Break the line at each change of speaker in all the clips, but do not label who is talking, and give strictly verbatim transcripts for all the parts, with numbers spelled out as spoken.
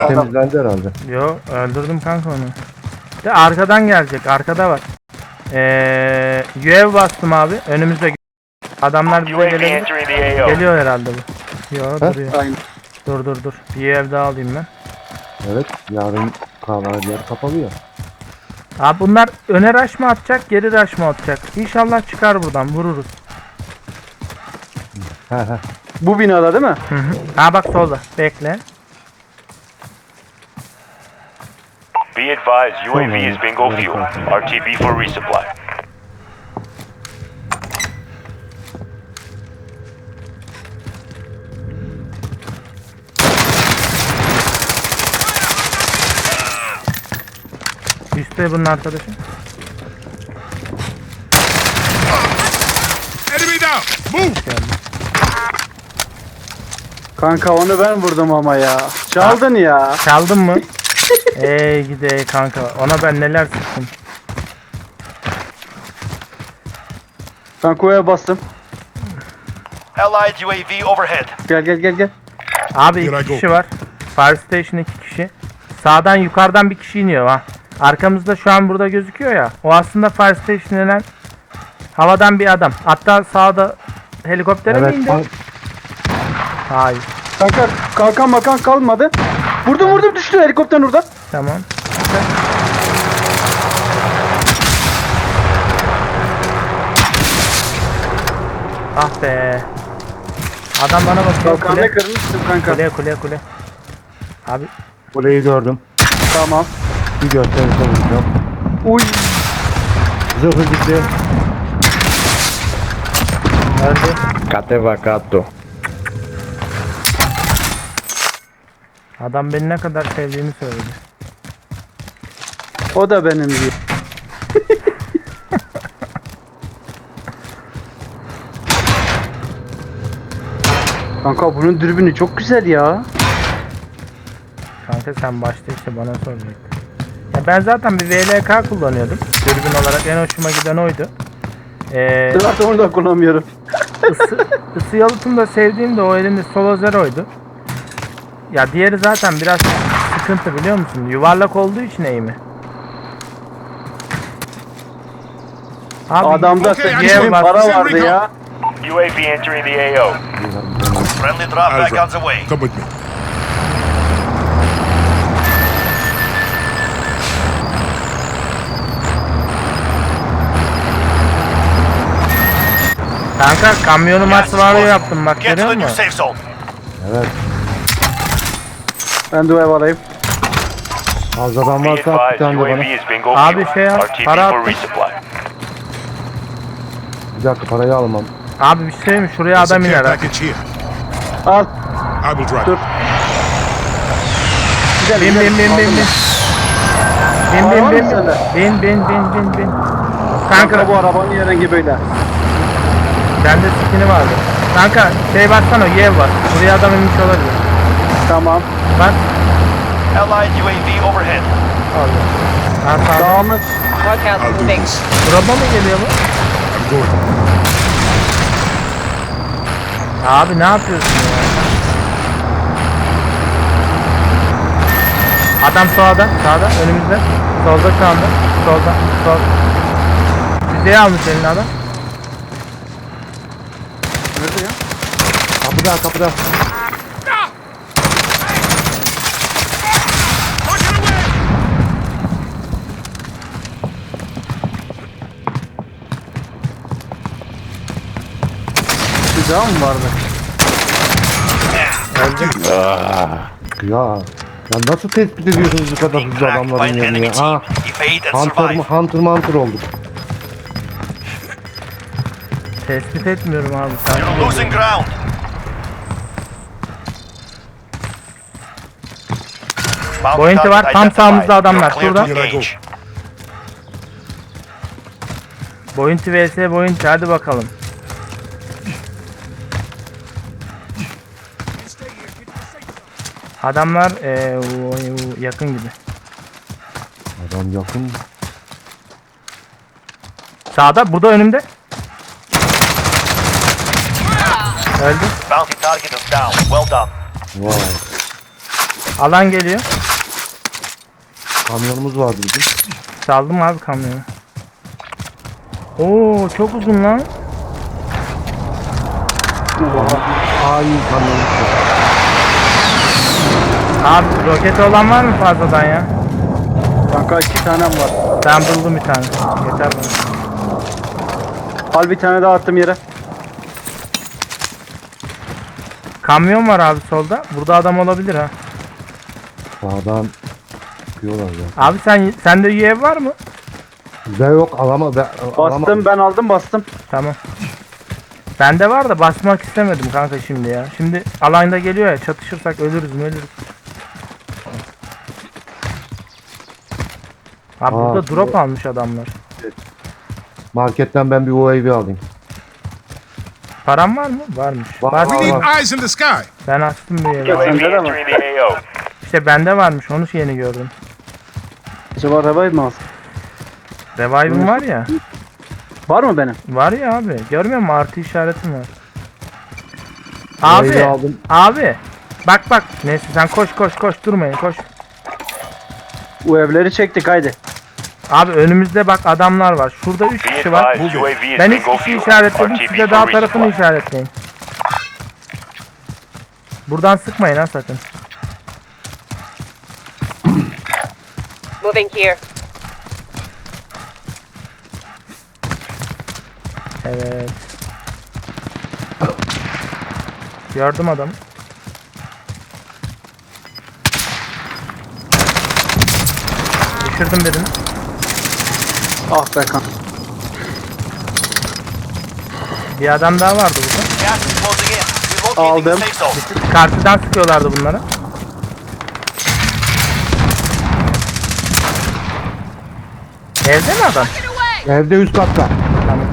Temizlendi herhalde.
Yo öldürdüm kanka onu. De arkadan gelecek. Arkada var. Eee U A V bastım abi. Önümüzde adamlar bize gelebilir. Geliyor herhalde bu. Yo
Ha?
duruyor.
Aynen.
Dur dur dur. Bir ev daha alayım ben.
Evet. Yarın kahvaltı yer kapalı ya.
Abi bunlar öne rush mı atacak, geri rush mı atacak? İnşallah çıkar buradan, vururuz.
He he.
Bu binada değil mi?
Hı hı. Ha bak solda. Bekle.
Be advised, U A V is bingo fuel. R T B for resupply.
Üstte bunun arkadaşı.
Enemy down! Move!
Kanka onu ben vurdum ama ya. Çaldın ya.
Çaldın mı? Ey gide kanka. Ona ben neler sıktım.
Kankoya bastım.
Allied U A V overhead.
Gel gel gel gel.
Abi
Here I
iki
go.
kişi var. Fire Station iki kişi. Sağdan yukarıdan bir kişi iniyor ha. Arkamızda şu an burada gözüküyor ya. O aslında Fire Station denen havadan bir adam. Hatta sağda helikoptere mi
Evet.
indi?
Bak,
Hayır.
Kanka kalkan makan kalmadı. Vurdum vurdum düştü helikopter orada.
Tamam. Ah be. Adam bana bakıyor.
Kalkanı
Kule,
kırmıştım kanka.
kule, kule, kule. Abi
kuleyi gördüm.
Tamam.
Bir gösterisi vuracağım.
Uy.
Zırhı gitti.
öldü.
Kate vakato.
Adam beni ne kadar sevdiğini söyledi.
O da benim diyor. Kanka bunun dürbünü çok güzel ya.
Kanka sen başta işte bana soracaktın. Ya ben zaten bir V L K kullanıyordum. Dürbün olarak en hoşuma giden oydu. Ee,
Zaten onu da kullanmıyorum.
ısı, ısı yalıtım da sevdiğim de o elimde Solo Zero'ydu. Ya diğeri zaten biraz sıkıntı biliyor musun? Yuvarlak olduğu için eğimi. Abi,
Adamda
Okey,
sekiz
yani
bin
bak-
para vardı ya.
U A V entering the A O. Friendly drop back on the way.
Come with me.
kanka kamyonu
Gas is
masvarı
closing.
yaptım bak
Get to
görüyor
the new
musun?
safe zone.
Evet.
Ben de ev alayım.
Fazladan
Be
varsa at bir
advised,
tane de
U A V
bana.
is bingo
Abi
fuel.
şey yap,
R T B
para
for
attım.
resupply.
Bir dakika parayı almam.
Abi bir şey mi? Şuraya
There's a
adam
care
iner ha.
package here.
Al.
I will drive.
Dur. Gidelim,
Bin bin
gidelim.
bin bin bin. Bin
Var
bin
mı
bin
sende?
bin bin bin bin bin.
Kanka
Kanka
bu arabanın rengi böyle.
bende skini vardı. Kanka şey baksana yev var. Buraya adam inmiş olabilir.
Tamam.
Bak.
Allied U A V overhead.
Allah. Ha sağ.
Devamı.
Look out
I'll do
moving.
this.
Drop'a mı geliyor bu?
I'm going.
Abi ne yapıyorsun ya? Adam sağda, sağda, önümüzde. Solda şu anda. Solda, sol. Bizeyi almış eline adam.
Nerede ya?
Kapıda kapıda.
Bir daha mı vardı?
Ya. Ya nasıl tespit ediyorsunuz bu kadar hızlı
Cracked by
adamların
an
yerini
enemy
ya?
team.
Ha,
Evade and
Hunter,
survive.
Hunter Hunter olduk.
Tespit etmiyorum abi. Sen
You're losing ground. Bounty
Bounty var,
target
tam
identified.
sağımızda adamlar.
You're clear to
Şurada.
engage.
Bounty vs Bounty hadi bakalım. Adamlar eee, o- yakın gibi.
Adam yakın.
Sağda, burada önümde. Öldü.
Bounty target is down. Well done.
Vay.
Alan geliyor.
Kamyonumuz vardı bizim.
Saldım abi kamyonu. Oo çok uzun lan.
Aa iyi kamyonumuz var.
Abi roketi olan var mı fazladan ya?
Kanka iki tanem var.
Ben buldum bir tane. Yeter bana.
Al bir tane daha attım yere.
Kamyon var abi solda. Burada adam olabilir ha.
Sağdan çıkıyorlar ya.
Abi sen sende U A V var mı?
Bize yok alama. Ben,
Bastım ben aldım bastım.
Tamam. Bende var da basmak istemedim kanka şimdi ya. Şimdi alanda geliyor ya, çatışırsak ölürüz mü ölürüz. Abi
Aa,
burada drop
bu-
almış adamlar.
Marketten ben bir U A V alayım.
Param var mı? Varmış.
Var,
Var,
We
var,
need
var.
eyes in the sky.
Ben açtım bir yere.
Yok.
U A V
Sende de mi?
entering the A O.
İşte bende varmış, onu yeni gördüm.
Acaba revive mi alsın?
Revive'ım var ya.
Var mı benim?
Var ya abi. Görmüyor musun? Artı işaretim var.
U A V
Abi.
aldım.
Abi. Bak bak. Neyse sen koş koş koş durmayın koş.
Bu evleri çektik haydi.
Abi önümüzde bak adamlar var. Şurada üç
Be
kişi var.
advised, U A V is
Ben
bingo
üç kişi
fuel.
işaretledim.
R T B
Size
for
dağ tarafını
resupply.
işaretleyin. Buradan sıkmayın ha sakın.
Moving here.
Evet. Gördüm adamı. Düşürdüm birini.
Ah be kan.
Bir adam daha vardı burada.
Gas is closing in. Relocating the
Aldım.
safe zone.
Karşıdan sıkıyorlardı bunlara. Evde mi adam?
Evde üst katta.
Tamam.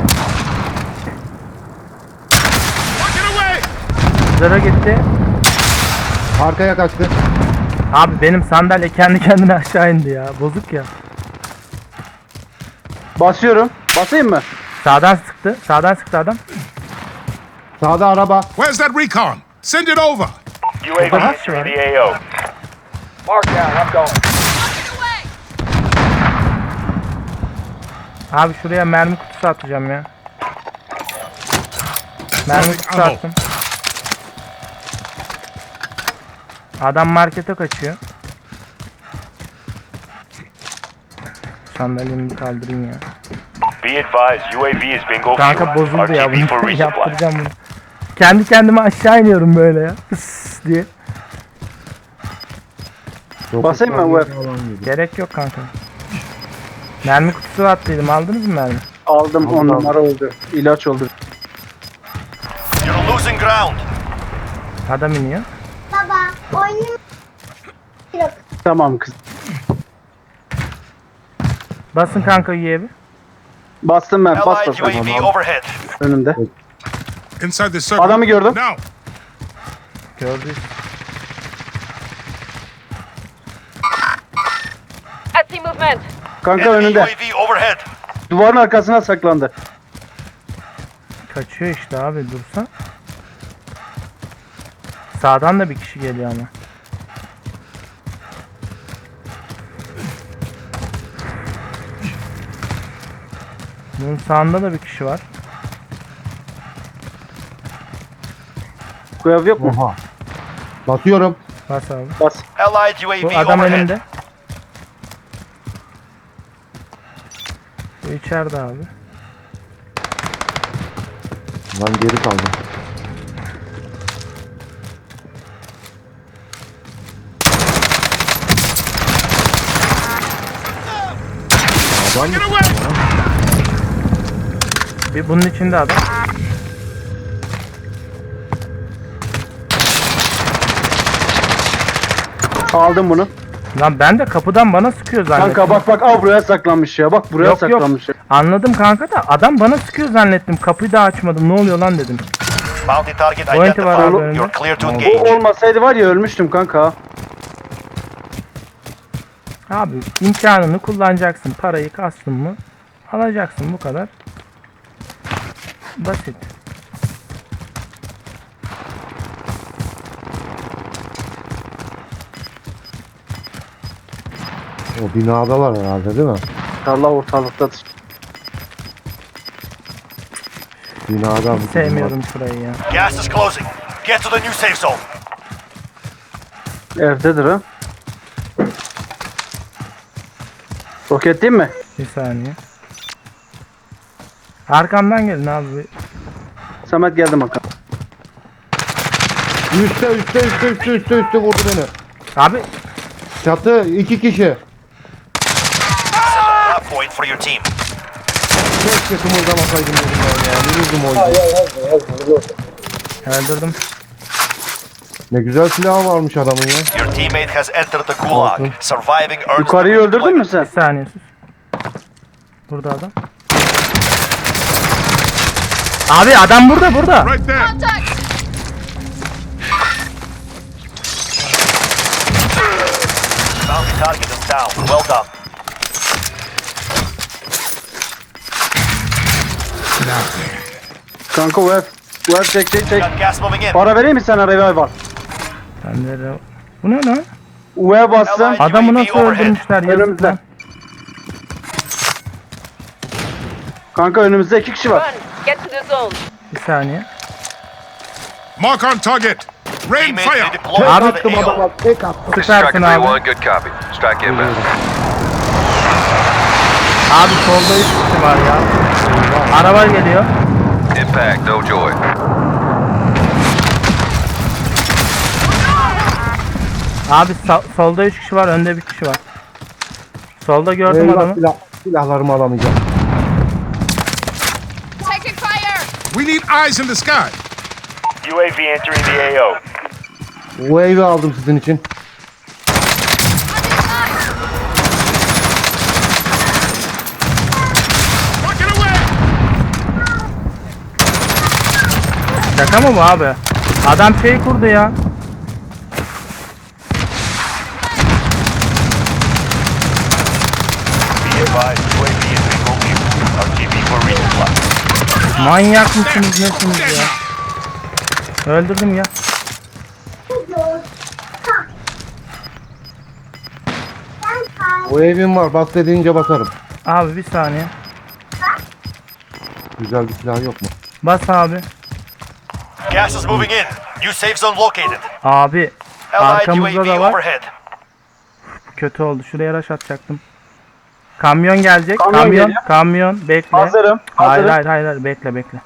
Get away!
Zara gitti.
Arkaya kaçtı.
Abi benim sandalye kendi kendine aşağı indi ya. Bozuk ya.
Basıyorum. Basayım mı?
Sağdan sıktı. Sağdan sıktı adam.
Sağda araba.
Where's that recon? Send it over.
U A V
Aha.
entering the A O.
Mark down. I'm going.
Abi şuraya mermi kutusu atacağım ya. Mermi kutusu
Ammo.
attım. Adam markete kaçıyor. Sandalyemi bir kaldırayım ya.
Be advised, U A V is bingo
Kanka
fuel.
bozuldu ya
R T B for
bunu.
resupply.
Yaptıracağım bunu. Kendi kendime aşağı iniyorum böyle ya. Hıs diye.
Basayım mı bu ev?
Gerek yok kanka. Mermi kutusu attıydım. Aldınız mı mermi?
Aldım on
Aldım.
numara oldu. İlaç oldu.
You're losing ground.
Adam iniyor.
Baba, oyunun yok.
Tamam kız.
Basın kanka üyevi.
Bastım ben. Bas
Allied
bas.
U A V overhead.
Önümde.
Inside the circle.
Adamı gördüm.
Now.
Gördük.
I see movement.
Kanka
Enemy U A
önünde.
V overhead.
Duvarın arkasına saklandı.
Kaçıyor işte abi dursa. Sağdan da bir kişi geliyor ama. Bunun sağında da bir kişi var.
Bu ev yok mu?
Oha. Basıyorum.
Bas abi.
Bas.
Allied U A
Bu
V
adam
overhead.
önümde. Bu içeride abi.
Lan geri kaldım. Adam
Get away!
Bir bunun içinde adam.
Aldım bunu.
Lan ben de kapıdan bana sıkıyor zannettim.
Kanka bak bak al buraya saklanmış ya. Bak buraya
Yok, yok.
saklanmış ya.
Anladım kanka da adam bana sıkıyor zannettim. Kapıyı da açmadım. Ne oluyor lan dedim.
Bounty target
Pointi var abi
identified.
önünde.
You're clear to
O
engage.
olmasaydı var ya ölmüştüm kanka.
Abi imkanını kullanacaksın. Parayı kastın mı? Alacaksın bu kadar. Basit.
O binadalar herhalde değil mi?
Allah ortalıktadır.
Binada mı?
Hiç sevmiyorum şurayı ya.
Gas is closing. Get to the new safe zone.
Evdedir ha. Roket değil mi?
Bir saniye. Arkamdan gelin abi.
Samet geldi bakalım.
Üste üste üste üste üste üste vurdu beni.
Abi
Çatı iki kişi.
Drop point for your team.
Keşke kımıldamasaydım dedim ben ya. Vururdum oyunu.
öldürdüm.
Ne güzel silahı varmış adamın ya.
Your teammate has entered the gulag.
Awesome.
Surviving earns
Yukarıyı
them
öldürdün mü sen?
Bir saniye sus. Burada adam. Abi adam burada burada.
Right there.
Bounty target is down. Well done.
Kanka bu ev. Bu ev çek çek çek.
Got gas moving in.
Para vereyim mi sana revive var?
Bende de... Bu ne lan?
U E'ye bassın.
Adamı nasıl öldürmüşler ya?
Önümüzde. Kanka önümüzde iki kişi var.
Run. Get to the zone.
Bir saniye.
Mark on target. Rain
Teammate
fire.
redeployed
Abi,
to the A O.
Tek attı.
Süpersin abi.
Good copy. Strike inbound.
Abi solda üç kişi var ya. Araba geliyor.
Impact, no joy.
Abi sa- solda üç kişi var, önde bir kişi var. Solda gördüm
Eyvah,
adamı.
silah, silahlarımı alamayacağım.
Taking fire.
We need eyes in the sky.
U A V entering the A O.
Bu evi aldım sizin için.
Rocket away.
Şaka mı bu abi? Adam şey kurdu ya.
Be advised, U A V is bingo fuel. R T B for resupply.
Manyak mısınız nesiniz ya? Öldürdüm ya.
O evim var. Bas dediğince basarım.
Abi bir saniye.
Güzel bir silah yok mu?
Bas abi.
Gas is moving in. New safe zone located.
Abi
Allied
arkamızda
U A
da
V
var.
overhead.
Kötü oldu. Şuraya rush atacaktım. Kamyon gelecek.
Kamyon
Kamyon,
geliyor.
kamyon. Bekle.
Hazırım.
Hayır
Hazırım.
hayır hayır hayır. Bekle bekle.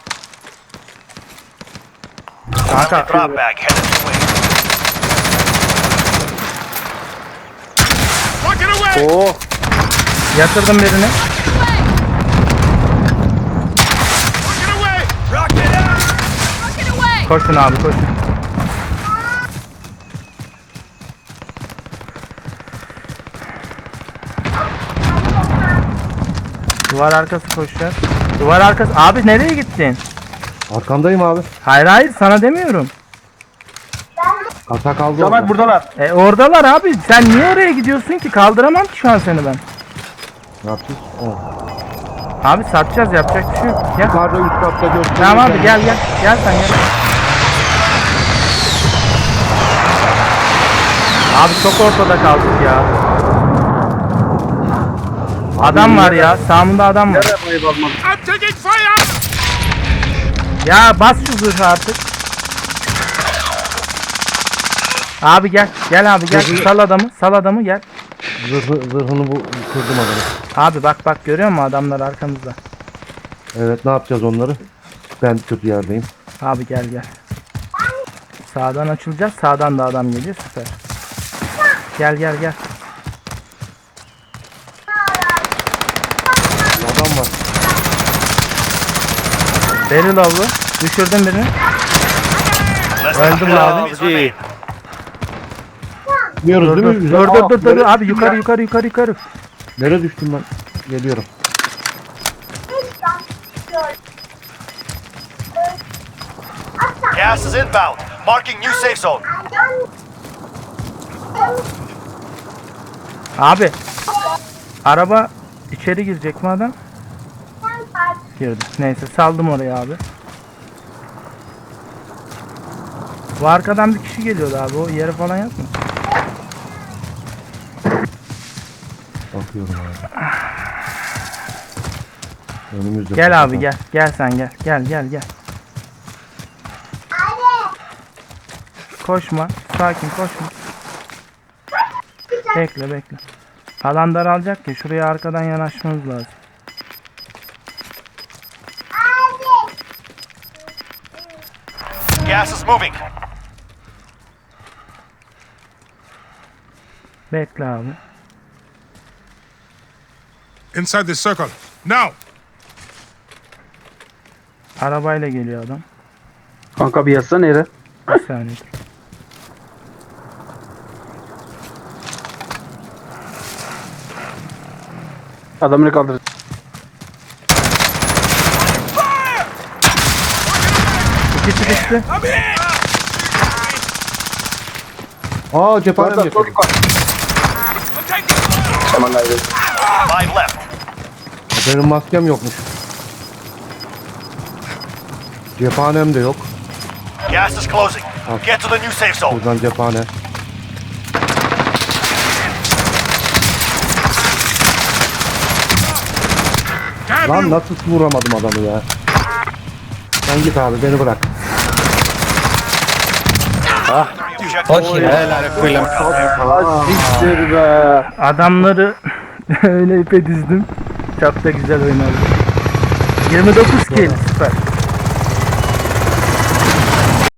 Friendly
Kanka
drop bag headed this way.
Rocket away.
Oo.
yatırdım birini.
Rocket away.
Rocket out.
Rocket away.
Koşun abi koşun. Duvar arkası koşacağız. Duvar arkası. Abi nereye gittin?
Arkandayım abi.
Hayır hayır sana demiyorum.
Kasa kaldı
Samet
orada.
buradalar.
E oradalar abi. Sen niye oraya gidiyorsun ki? Kaldıramam ki şu an seni ben.
Ne yapacağız? Oh.
Abi satacağız yapacak bir şey yok. Gel.
Yukarıda üst katta gösteriyor.
Tamam abi gel gel. Gel sen gel. Abi çok ortada kaldık ya. Adam var ya. Sağımda adam var.
Nereye bayı bakmadım?
I'm taking fire.
Ya bas şu zırhı artık. Abi gel. Gel abi gel. Sal adamı. Sal adamı gel.
Zırhı, zırhını bu kırdım adamı.
Abi bak bak görüyor musun adamlar arkamızda.
Evet, ne yapacağız onları? Ben kötü yerdeyim.
Abi gel gel. Sağdan açılacağız. Sağdan da adam geliyor. Süper. Gel gel gel.
Adam var.
Beril avlu. Düşürdüm birini.
Less than
Öldüm
ten
abi.
enemies remain.
Biliyoruz
Dur
değil
dur
mi?
dur
Güzel.
dur
Aa,
dur dur.
nereye
Abi
düştüm
yukarı
ya?
yukarı yukarı yukarı.
Nereye düştüm ben? Geliyorum.
Gas is inbound. Marking new safe zone.
Abi. Araba içeri girecek mi adam? Girdi. Neyse saldım oraya abi. Bu arkadan bir kişi geliyordu abi. O yeri falan yok mu?
Bakıyorum abi. Önümüzde.
Gel abi gel. Gel sen gel. Gel gel gel. Koşma. Sakin koşma. Bekle bekle. Alan daralacak ki şuraya arkadan yanaşmamız lazım.
Gas is moving.
Bekle abi.
Inside the circle. Now.
Arabayla geliyor adam.
Kanka bir yazsana yere.
Bir saniye.
Adamını kaldır.
İkisi düştü.
Aa cephanem
Orada sol
yapıyor.
yukarı. Tamam haydi.
Five left.
Benim maskem yokmuş. Cephanem de yok.
Gas is closing. Get to the new safe zone.
Buradan cephane.
Damn
Lan
you.
nasıl vuramadım adamı ya. Sen git abi beni bırak.
Siktir be.
Adamları öyle ipe dizdim. Çok da güzel oynadı. yirmi dokuz kill süper.